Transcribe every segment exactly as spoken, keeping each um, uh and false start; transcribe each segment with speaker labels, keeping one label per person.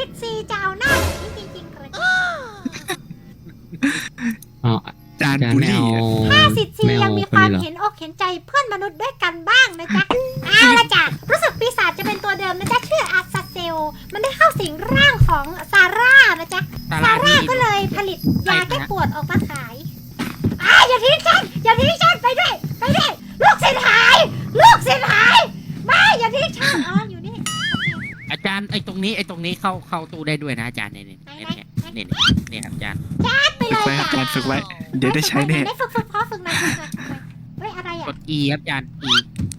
Speaker 1: สิทธิ์ซีจะเอาหน้าอย่างนี้จริงๆเลย
Speaker 2: อ๋อ
Speaker 3: จานบุรี
Speaker 1: ถ้าสิทธิ์ซียังมีความเห็นอกเห็นใจเพื่อนมนุษย์ด้วยกันบ้างนะจ๊ะเอาละจ้ะรู้สึกปีศาจจะเป็นตัวเดิมนะจ๊ะชื่ออาซาเซลมันได้เข้าสิงร่างของซาร่านะจ๊ะซาร่าก็เลยผลิตยาแก้ปวดออกมาขายอ่าอย่าทิ้งฉันอย่าทิ้งฉันไปด้วยไปด้วยลูกศิษย์หายลูกศิษย์หายไม่อย่าทิ้งฉันอ๋ออยู่นี่
Speaker 4: อาจารย์ไอ้ตรงนี้ไอ้ตรงนี้เข้าเข้าตู้ได้ด้วยนะอาจารย์เนี่ยเนี่ยเนี่ยเนี่ยเนี่ยครับอาจารย์
Speaker 1: ไปเลย
Speaker 3: ไว้ครับ
Speaker 1: จ้ะ
Speaker 3: จานฝึกไว้ เดี๋ยวได้ใช้แน่
Speaker 1: ได้ฝึกฝึกพอฝึกหน่อยฝึกหน่อยเฮ้ยอะไรอ่ะ
Speaker 4: กด E ครับอาจารย์ E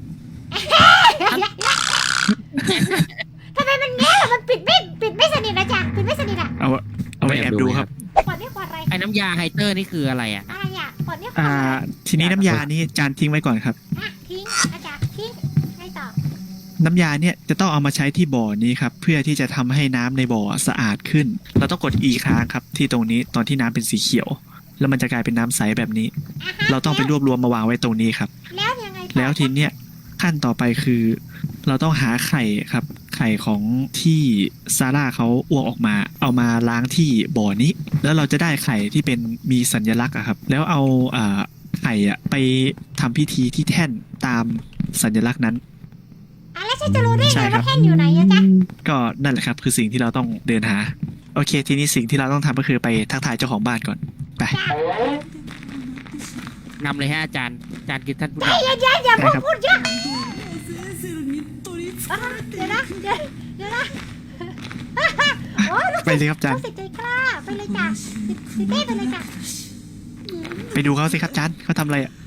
Speaker 1: ทำไมมันแง่ล่ะมันปิดไม่ปิดไม่สนิทนะจ๊ะปิดไม่สนิทอ่ะ
Speaker 3: เอาเอาไว้แอบดูครับ
Speaker 1: ปอดนี่ปอดอะไร
Speaker 4: ไอ้น้ำยาไฮเตอร์นี่คืออะไรอ่ะ
Speaker 1: อะไรอ่ะปอดนี่ปอด
Speaker 3: อ่า
Speaker 1: อะไร
Speaker 3: ทีนี้น้ำยานี่จานทิ้งไว้ก่อนครับ
Speaker 1: อ่ะทิ้งอาจารย์ทิ้งให้ต่อ
Speaker 3: น้ำยาเนี่ยจะต้องเอามาใช้ที่บ่อนี้ครับเพื่อที่จะทำให้น้ำในบ่อสะอาดขึ้น เราต้องกด E ค้างครับที่ตรงนี้ตอนที่น้ำเป็นสีเขียว แล้วมันจะกลายเป็นน้ำใสแบบนี้
Speaker 1: อ่ะฮะ
Speaker 3: เราต้องไปรวบรวมมาวางไว้ตรงนี้ครับ
Speaker 1: แล้วยังไงต่อ
Speaker 3: แล้วทีเนี้ยขั้นต่อไปคือ เราต้องหาไข่ครับ ไข่ของที่ซาร่าเขาอ้วกออกมา เอามาล้างที่บ่อนี้ แล้วเราจะได้ไข่ที่เป็นมีสัญลักษณ์อะครับ แล้วเอาอ่าไข่อะไปทำพิธีที่แท่นตามสัญลักษณ์นั้น
Speaker 1: อ่ะแล้วฉันจะรู้ได้
Speaker 3: ใช่
Speaker 1: ไง
Speaker 3: ครั
Speaker 1: ว่า
Speaker 3: บ
Speaker 1: แท่นอยู่ไหนอะจ๊ะ
Speaker 3: ก็นั่นแหละครับคือสิ่งที่เราต้องเดินหา โอเค ทีนี้สิ่งที่เราต้องทำก็คือไปทักทายเจ้าของบ้านก่อนไป
Speaker 4: นำเลยฮะอาจารย์อาจารย์คือท่านผู้
Speaker 1: ใจ
Speaker 4: นำ
Speaker 1: เย็นๆอย่า
Speaker 3: ได้
Speaker 1: พูด
Speaker 3: ครับ
Speaker 1: พูดเยอะอ่ะเดี๋ยวนะเดี๋ยวเดี๋ยวนะโอ้ยลูก
Speaker 3: ไปเลยครับจาน
Speaker 1: ลูกศิษย์ใจกล้าไปเลยจ้ะสิสิเต้ไปเลยจ้ะ
Speaker 3: ไปดูเขาสิครับจานเขาทำอะไรอ่ะ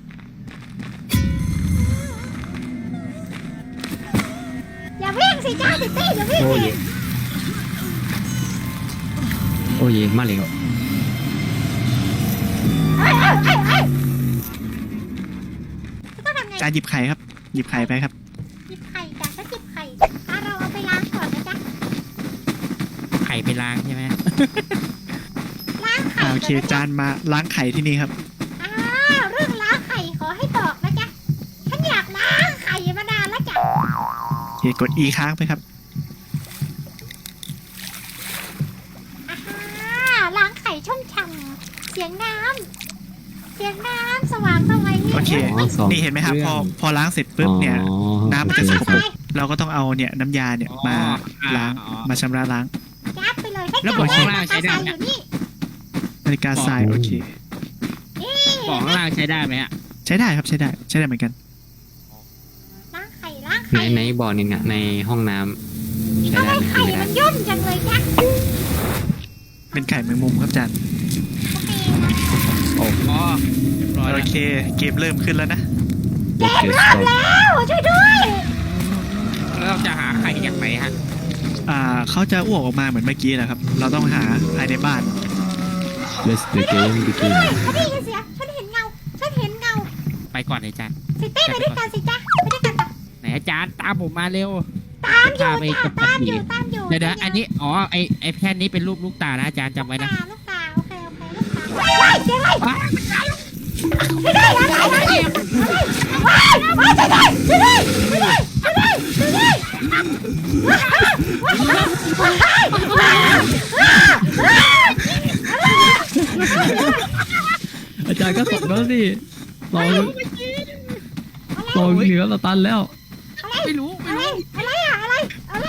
Speaker 1: อย่าวิ่งสิจ้าสิเต้อย่าวิ่ง
Speaker 2: โอ้
Speaker 1: สิ
Speaker 2: ยโอ้ยมาเลย
Speaker 1: เอ้ยเอ้ยเอ้ยเอ้ยต้องทำไง
Speaker 3: จานหยิบไข่ครับ หยิบไข่ไปครับ
Speaker 1: หยิบไข่จ้ะฉันหยิบไข่อ่ะเราเอาไปล้างก่อนนะจ๊ะ
Speaker 4: ไข่ไปล้างใช่ไหม
Speaker 1: ล้างไข่
Speaker 3: อ่าโอเค
Speaker 1: ก่นนะ
Speaker 3: จานมาล้างไข่ที่นี่ครับ
Speaker 1: อ้าวเรื่องล้างไข่ขอให้บอกนะจ๊ะฉันอยากล้างไข่มานานแล้วจ้ะ
Speaker 3: โอเคกด E ค้างไปครับ
Speaker 1: อ่าล้างไข่ช่องช่ำเสียงน้ำเสียงน้ำสว่างสวัย
Speaker 3: โอเค
Speaker 2: อ๋อสอง
Speaker 3: นี่เห็นไหมครับ พอพอล้างเสร็จปุ๊บเนี่ย
Speaker 2: อ๋อ
Speaker 3: น้ำมันจะสกปรก
Speaker 1: ไป
Speaker 3: เราก็ต้องเอาเนี่ยน้ำยาเนี่ยมาล้างมาชำระล้าง
Speaker 1: ยัดไปเลยให้
Speaker 4: แล้ว
Speaker 1: จั
Speaker 4: บอก
Speaker 1: เล
Speaker 4: ข้าง
Speaker 1: ย
Speaker 4: ล่างใช้ได้
Speaker 1: อ
Speaker 4: ไหม
Speaker 1: ยู่นี่
Speaker 3: นาฬิกาทรายโอเค
Speaker 4: บอกข้างล่างใช้ได้ไหมฮะ
Speaker 3: ใช้ได้ครับใช้ได้ใช้ได้เหมือนกัน
Speaker 1: ล้างไข่ล้าง
Speaker 2: ใน
Speaker 1: ไข่
Speaker 2: ในบ่อนี่เนี่ยในห้องน้ำใช้
Speaker 1: ทำไม
Speaker 2: ได้ไหม
Speaker 1: ไข่
Speaker 2: ไม่ได้
Speaker 1: มันย่นจังเลยจ๊ะ
Speaker 3: เป็นไข่แมงมุมครับจาน
Speaker 1: โอเคนะ
Speaker 4: อ๋อร้อย
Speaker 3: โอ
Speaker 4: แล้ว
Speaker 3: เค เกมเริ่มขึ้นแล้วนะ
Speaker 1: เกมเริ่มแล้วช่วยด้วย
Speaker 4: แล้วเราจะหาไข่จากไหนฮะ
Speaker 3: อ่าเขาจะอ้วกออกมาเหมือนเมื่อกี้แหละครับ เราต้องหาภายในบ้าน
Speaker 2: Let's the game
Speaker 1: ช่วย
Speaker 2: begin
Speaker 1: ด้วยฉันได้ยินเสียงฉันเห็นเงาฉันเห็นเงา
Speaker 4: ไปก่อนเลยอาจารย์
Speaker 1: สิเต้ไปด้วยกันสิจ๊ะไปด้วยกันต่อ
Speaker 4: ไหนอาจารย์ตามผมมาเร็ว
Speaker 1: ตามอยู่
Speaker 4: พาไป
Speaker 1: จ้ะ
Speaker 4: กับ
Speaker 1: ตาม
Speaker 4: ผี
Speaker 1: อยู่ตามอยู่
Speaker 4: เดี๋ยวเดี๋ยวอันนี้อ๋อไอไอแค่นี้เป็นรูปลูกตานะอาจารย์จำไว้นะ
Speaker 1: ตาลูกตาโอเคโอเคลูกตาว้ายเสียงอะไรช่วยด้วยอะไรอะไรว้ายว้ายช่วยด้วยช่วยด้วยช่วยด้วยช่วยด้วยช่วยด้วยว้ายว้ายว้ายว้าย
Speaker 2: อาจารย์ก็ตกแล้วสิเราเราเหนือเราตันแล้ว
Speaker 4: ไม่รู้
Speaker 1: อะไรอะไรอะอะไรอะไร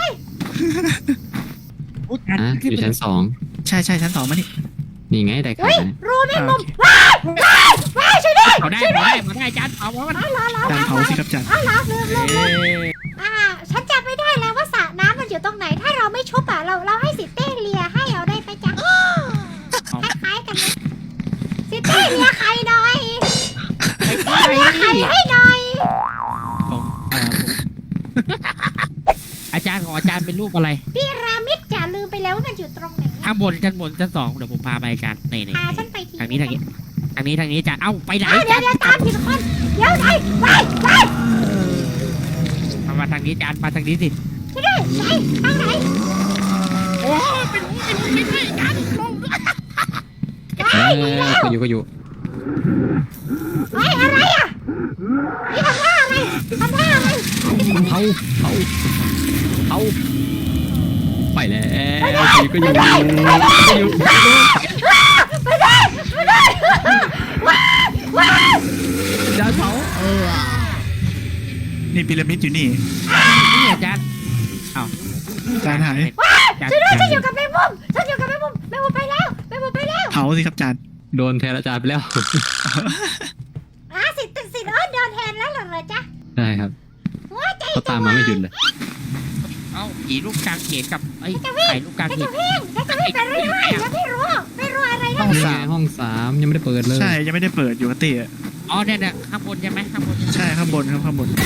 Speaker 4: อุ๊ยอาจาร
Speaker 2: อ่ะ
Speaker 4: ย์
Speaker 2: อ
Speaker 4: ขึ้น
Speaker 2: ยู่
Speaker 4: ไป
Speaker 2: ชั้นสอง
Speaker 3: ใช่ใช่ชั้นสองมานี่
Speaker 2: นี่ไงได้ไข่
Speaker 1: เฮ้ย
Speaker 2: ไหม
Speaker 1: รูแมงมุมว้ายว้ายว้ายช่วยด้วย
Speaker 4: เขาได้
Speaker 1: ช่วย
Speaker 4: เขา
Speaker 1: ด้วย
Speaker 4: ได้เขาได้อาจารย์เอาวะมัน
Speaker 1: อ๋อเหรอเหรอ
Speaker 3: จานเผาสิครับจาน
Speaker 1: อ๋อเหรอลืมลืมลืม
Speaker 4: เอ๊ะ
Speaker 1: อ่าฉันจำไม่ได้แล้วว่าสระน้ำมันอยู่ตรงไหน ถ้าเราไม่ชุบอ่ะเราเราให้สิเต้เลียให้เอาได้ไหมจ๊ะคล้ายๆกันนะสิเต้เลียไข่หน่อย
Speaker 4: ไม่
Speaker 1: เต้
Speaker 4: ใช่
Speaker 1: เลียไข่ให้หน่อย
Speaker 4: ผมเอ่อผมอาจารย์ของอาจารย์เป็นรูปอะไร
Speaker 1: พีระมิดจ๋าลืมไปแล้วว่ามันอยู่ตรงไหน
Speaker 4: ข้างบนชั้นบนชั้นสองเดี๋ยวผมพาไปอาจารย์นี่นี่
Speaker 1: พาฉันไปที
Speaker 4: ทางนี้ทางนี้ทางนี้ทางนี้อาจารย์เอ้าไปไหน
Speaker 1: อ้าวเดี๋ยวเดี๋ยวตามผิดคนเดี๋ยวไหนไปไป
Speaker 4: มามาทางนี้อาจารย์มาทางนี้สิ
Speaker 1: ช่วยด้วยไหนทางไหน
Speaker 4: โอ้ไม่รู้ไม่รู้ไม่รู้อาจารย์ลง
Speaker 2: เออก็อยู่ก็อยู่
Speaker 1: เฮ้ยอะไรอ่ะนี่ทำท่าอะไรทำท่าอะไร
Speaker 2: เผาเผาเผาไปแล้วทีก็อยู่ก็อยู่
Speaker 1: ไม่ได้ไม่ได้ว้าวว้าว
Speaker 2: ดาวเผาเออ
Speaker 3: นี่พีระมิดอยู่นี่
Speaker 4: นี่อาจารย์เอา
Speaker 3: จานหาย
Speaker 1: ช่วยด้วยฉันอยู่กับแมงมุมฉันอยู่กับแมงมุมแมงมุมไปแล้วแมงมุมไปแล้ว
Speaker 3: เผาสิครับจาน
Speaker 2: โดนแทนอาจารย์ไปแล้ว
Speaker 1: อ่ะสิทธิ์สิทธิ์เอิร์ธเดินแทนแล้วเหรอเหรอจ๊ะ
Speaker 2: ได้ครับ
Speaker 1: หัวใจ
Speaker 2: เขาตามมาไม่หยุดเลย
Speaker 4: เอาผีลูกกลางเขนกับไอ้
Speaker 1: จะวิ่ง
Speaker 4: ไข่ลูกกลาง
Speaker 1: จะ
Speaker 4: เขน
Speaker 1: วิ่งจะวิ่งไปเรื่อยๆแล้วไม่รู้ไม่รู้อะไร
Speaker 3: ห้
Speaker 1: นะ
Speaker 3: อง
Speaker 2: นี่
Speaker 3: สา
Speaker 2: ไง
Speaker 3: ม
Speaker 2: ห้องสามยังไม่ได้เปิดเลย
Speaker 3: ใช่ยังไม่ได้เปิดอยู่กับเต้อะ
Speaker 4: อ๋อเนี่ยเนี่ยข้างบนใช่ไหมข้างบน
Speaker 3: ใช่ข้างบนครับข้างบน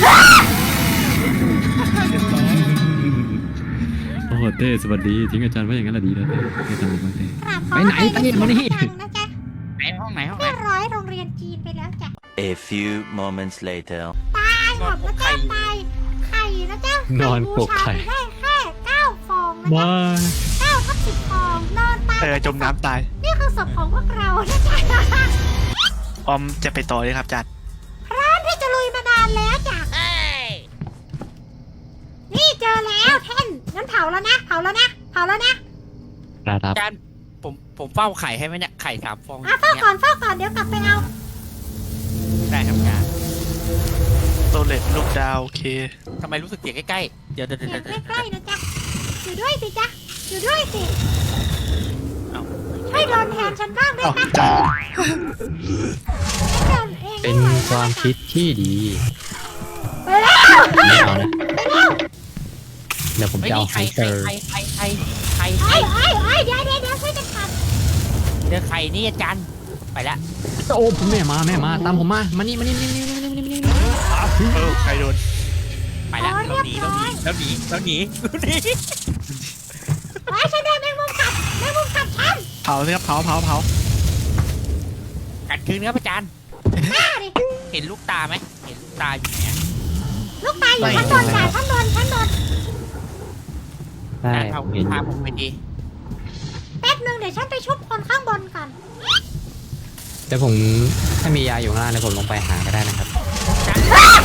Speaker 2: โอ้โหเต้สวัสดีทิ้งอาจารย์ไว้อย่างนั้นละดีแล้วเต้อาจารย์บอกว่าเต้
Speaker 1: กราบขอ
Speaker 2: ไปไหน
Speaker 1: อภัย
Speaker 2: ไปไหนมานี่
Speaker 1: จังนะจ๊ะ
Speaker 4: ไหนห้องไหนห้องไหน
Speaker 1: เรียบร้อยโรงเรียนจีนไปแล้วจ้ะ
Speaker 5: A few moments later.
Speaker 1: ตายหมดแล้วจ้ะตายไข่นะจ๊ะ
Speaker 2: นอนปกไข่
Speaker 1: ได้แค่เก้าฟองนะจ๊ะ
Speaker 2: ว้า
Speaker 1: เก้าทับสิบฟองนอนตาย
Speaker 3: เออจมน้ำตาย
Speaker 1: นี่คือศพของพวกเรานะจ๊ะ
Speaker 3: ออมจะไปต่อเลยครับจาน
Speaker 1: พร้อมที่จะลุยมานานแล้วจ้ะนี่เจอแล้วแท่นงั้นเผาแล้วนะเผาแล้วนะเผาแล้วนะ
Speaker 2: ระดับ
Speaker 4: อาจารย์ผมผมเฝ้าไข่ให้ไหมเนี่ยไข่สามฟอง
Speaker 1: อ่ะเฝ้าก่อนเฝ้าก่อนเดี๋ยวกลับไปเอา
Speaker 4: ได้ครับอาจารย์
Speaker 3: โตเลตลูกดาวโอเค
Speaker 4: ทำไมรู้สึกเสียงใกล้ๆเดี๋ยวเดี๋ยว
Speaker 1: เสี
Speaker 4: เดี๋
Speaker 1: ย
Speaker 4: ยว
Speaker 1: ง
Speaker 4: เดี๋ยว
Speaker 1: ใกล้ๆนะจ๊ะอยู่ด้วยสิจ๊ะอยู่ด้วยสิ
Speaker 4: เอา
Speaker 1: ช่วยโดนแทนฉันบ้างได้
Speaker 3: เอ้า
Speaker 1: ไหม
Speaker 3: จาน
Speaker 1: ฉันเดินเอง
Speaker 2: เป็น
Speaker 1: ไห
Speaker 2: ความคิดที่ดี
Speaker 1: ไปแล้ว
Speaker 2: ไม่เอานะ
Speaker 1: ไปแล้ว
Speaker 2: เดี๋ยวผม
Speaker 4: ไม่
Speaker 2: จะเอา
Speaker 4: มี
Speaker 2: ไฮ
Speaker 4: ไข่
Speaker 2: เตอ
Speaker 4: ไข่
Speaker 2: ร์
Speaker 4: ไข่ไข่ไข่ไข่
Speaker 1: ไอ้
Speaker 4: ไข่
Speaker 1: ไอ้ไอ้เดี๋ยวเดี๋ยวเดี๋ยวช่วยกันท
Speaker 4: เจอไข่นี่อาจารย์ไปละ
Speaker 2: โอ้ผมแม่มาแม่มาตามผมมามานี่มานี่มานี่มานี่มานี่มานี่
Speaker 3: เออใครโดน
Speaker 4: ไปละเราหนีเราหนีเราหนีเราหนีเราหนี
Speaker 1: ำไอ้ฉันโดนแมงมุมกัดแมงมุมกัดฉัน
Speaker 3: เผาสิครับเผาเผาเผา
Speaker 4: กัดคืนครับอาจารย์
Speaker 1: ฆ่าดิ
Speaker 4: เห็นลูกตาไหมเห็นลูกตาอยู่ไหนอะ
Speaker 1: ลูกตายอยู่ชั้นบนจ้ะชั้นบนชั้นบน
Speaker 2: ได้
Speaker 4: อาจารย์พา
Speaker 2: ผมเห็นอ
Speaker 4: พา
Speaker 2: ยู่
Speaker 4: ผมไปดี
Speaker 1: แป๊บนึงเดี๋ยวฉันไปชุบคนข้างบนก่อน
Speaker 2: แต่ผมถ้ามียาอยู่ข้างล่างเดี๋ยวผมลงไปหาก็ได้นะครับ
Speaker 4: อาจารย์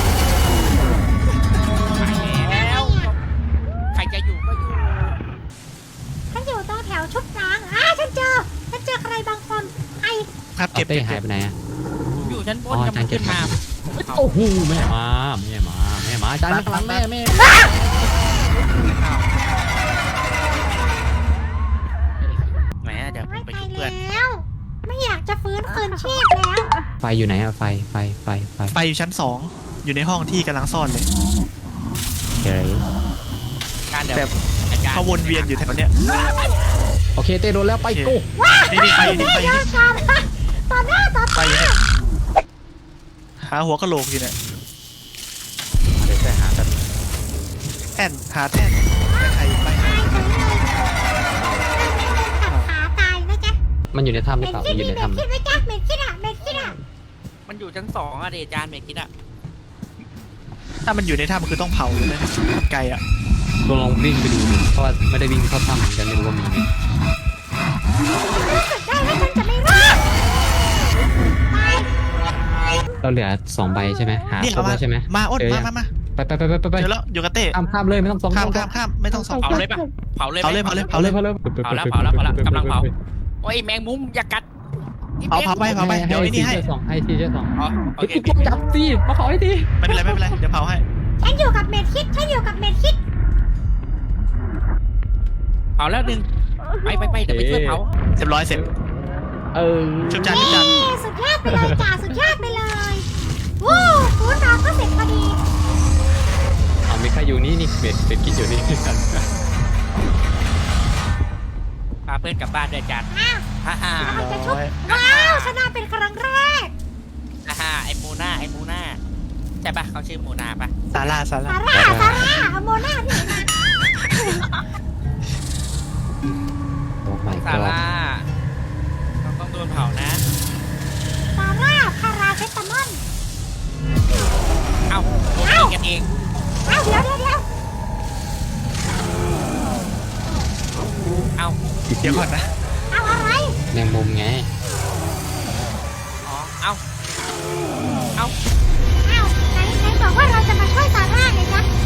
Speaker 4: ไปแล้วใครจะอยู่ก็อยู่
Speaker 1: ฉันอยู่ตรงแถวชุบล้างอ่าฉันเจอฉันเจอใครบางคนไอ้
Speaker 3: ครับ
Speaker 2: เอา
Speaker 3: เก็บ
Speaker 2: เต้
Speaker 3: เก็บ
Speaker 2: หายไปไหนอะ
Speaker 4: อยู่ชั้นบ
Speaker 2: อ๋
Speaker 4: น
Speaker 2: ออาจารย์
Speaker 4: กำลังขึ้นมา
Speaker 2: โอ้โหแม่มาแม่มาแม่มาอาจารย์ข้างหลังแม่แม่
Speaker 4: แหมเดี๋ยวผม
Speaker 1: ไม่
Speaker 4: ไป
Speaker 1: ไป
Speaker 4: ชุบเพื่อน
Speaker 1: แล้ว ไม่อยากจะฟื้นคืนชีพแล้ว
Speaker 2: ไฟอยู่ไหนอะไฟไฟไฟไฟ
Speaker 3: ไปอยู่ชั้นสองอยู่ในห้องที่กำลังซ่อนเลย
Speaker 2: เฮ้ย
Speaker 4: การเดี๋ยว
Speaker 3: แบบ
Speaker 4: อาจารย์
Speaker 3: เขาวนเวียนอยู่แถวเนี้ย
Speaker 2: โอเคเต้โดนแล้วไปกู
Speaker 3: นี่นี่ไปอยู่นี่ไปอยู่
Speaker 1: เดี๋ยว
Speaker 3: นี่
Speaker 1: ก่อนต่อหน้าต่อ
Speaker 3: ไป
Speaker 1: ตา
Speaker 3: อยู่นี่หาหัวกะโหลกอยู่เนี่ย
Speaker 2: เดี๋ยวไปหากัน
Speaker 3: แท่นหาแท่นแต่ใครไป
Speaker 1: ตายเฉยเลยกัดขาตายนะจ๊ะ
Speaker 2: มันอยู่ในถ้ำห
Speaker 1: เม
Speaker 2: รือเปล่า
Speaker 1: นคิ
Speaker 2: มั
Speaker 1: ด
Speaker 2: นอยู่ใน
Speaker 1: มีเมน
Speaker 2: ถ้ำ
Speaker 1: คิดไว้จ้ะเมนคิดอ่ะเมนคิดอ่ะ
Speaker 4: มันอยู่ชั้นสองอะเดอาจารย์เมกิดอะ
Speaker 3: ถ้ามันอยู่ในถ้ำคือต้องเผาเลยนะไกลอ่ะ
Speaker 2: ลองลองวิ่งไปดูดิเพราะว่าไม่ได้วิ่งเข้าถ้ำเหมือนกันไม่รู้ว่ามีไหม
Speaker 1: รู้สึกได้ว่าฉันจะไม่รอดตาย
Speaker 2: เราเหลือสองใบใช่ไหมหา
Speaker 3: นี่
Speaker 2: ครบ
Speaker 3: เอามา
Speaker 2: แล้วใช่ไหม
Speaker 3: มาอ้น
Speaker 2: เจอ
Speaker 3: มา
Speaker 2: ยัง
Speaker 3: มามา
Speaker 2: ไปไปไปไปไปไป
Speaker 3: เจอแล้วอยู่กับเต้
Speaker 2: ข้ามข้ามเลยไม่ต้องส่อง
Speaker 3: ข้าม
Speaker 2: ไม่ต้
Speaker 3: ข้า
Speaker 2: อง
Speaker 3: มข้ามไม่ต้องสอง
Speaker 4: เผาเลยปะเผาเลยไหม
Speaker 3: เผาเลยเผาเลย
Speaker 2: เผาเลยเผาเลย
Speaker 4: เผาแล้วเผาแล้วเผาแล้วกำลังเผา โอ้ยแมงมุมอย่ากัด
Speaker 3: เผาเผาไปเผาไปเดี๋ยวไอ้นี่ให้
Speaker 2: สองไอทีเจสอง
Speaker 4: อ๋อโอ
Speaker 2: ไอ้
Speaker 4: เค
Speaker 2: กูจับสิมาขอให้ที
Speaker 3: ไม่เป็นไรไม่เป็นไรเดี๋ยวเผาให้
Speaker 1: ฉันอยู่กับเมนคิดฉันอยู่กับเมนคิด
Speaker 4: เผาแล้วหนึ่งไปไปไปเดี๋ยวไปช่วยเผา
Speaker 3: เรียบร้อยเสร็จ
Speaker 2: เออ
Speaker 3: ชุบจานชุบจาน
Speaker 1: เย้สุดยอดไปเลยจ้าสุดยอดไปเลยวู้ฟูนเราก็เสร็จพอดี
Speaker 2: เอาไม่ค่าอยู่นี่นี่เบ็ดเบ็ดคิดอยู่นี่
Speaker 4: พาเพื่อนกลับบ้านด้วยอาจารย์
Speaker 1: อ้าว
Speaker 4: ฮ่าฮ่า
Speaker 1: เราจะชุบว้าวชนะเป็นครั้งแรก
Speaker 4: ฮ่าฮ่าไอโมนาไอโมนาใช่ปะเขาชื่อโมนาปะ
Speaker 3: ซาร่าซาร่า
Speaker 1: ซาร่าซาร่าเอาโมนาที่ไหนมา
Speaker 2: โอ้ my
Speaker 4: ซา
Speaker 2: god
Speaker 4: ร่าเราต้องโดนเผานะ
Speaker 1: ซาร่าพาราเซตามอล
Speaker 4: เอ้าโดนยิงกันเอง
Speaker 1: อ้าวเดี๋ยวเดี๋ยวเดี๋ยว
Speaker 4: เอ้า
Speaker 3: เดี๋ยวก่อนนะ
Speaker 1: เอาอะไร
Speaker 2: แมงมุมไง
Speaker 4: อ๋อเอ้าเอ้า
Speaker 1: อ้าวไหนไหนบอกว่าเราจะมาช่วยซาร่าไงจ๊ะ